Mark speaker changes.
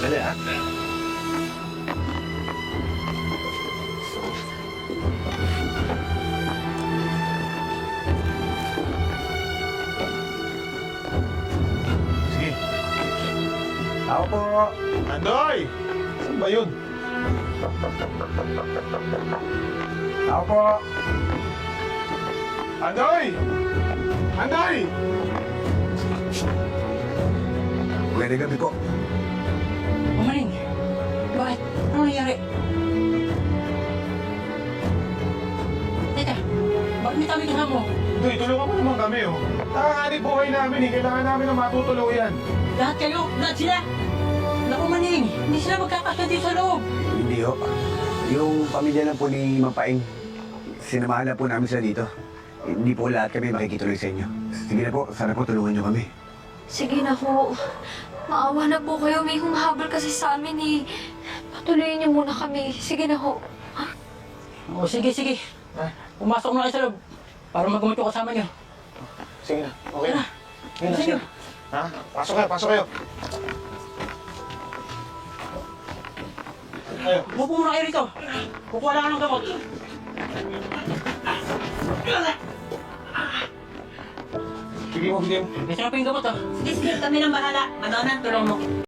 Speaker 1: Dali, ha? Sige. Ako po.
Speaker 2: Andoy! Saan ba yun?
Speaker 1: Ako po.
Speaker 2: Andoy! Andoy!
Speaker 1: Magandang gabi po.
Speaker 3: Umaling. Bakit? Ano nangyari? Teka, bakit may tabi ka mo?
Speaker 2: Andoy, tulungan mo naman kami, oh. Nakakaanib buhay namin, eh. Kailangan namin ng matutuluyan.
Speaker 3: Lahat kayo, lahat sila! Naku Maning, hindi sila magkakasya dito sa loob.
Speaker 1: Hindi ho. Yung pamilya lang po ni Mapaing, sinamahan na po namin sila dito. Hindi po lahat kami makikituloy sa inyo. Sige na po, sana po tulungan nyo kami.
Speaker 4: Sige na po. Maawa na po kayo. May humahabol kasi sa amin eh. Patuloyin niyo muna kami. Sige na ho.
Speaker 3: O sige, sige. Pumasok na kayo sa loob para magamot yung kasama niyo.
Speaker 2: Sige na, okay na. Sige na,
Speaker 3: Sige
Speaker 2: sige
Speaker 3: na.
Speaker 2: na. Ha? Pasok kayo, pasok kayo. Ayo.
Speaker 3: Upo muna kayo rito. Kukuha lang ka ng gamot.
Speaker 2: Sige mo, bigyan mo.
Speaker 3: Bisa na po yung gamot, oh.
Speaker 5: Sige, kami nang bahala. Madonna, tulong mo.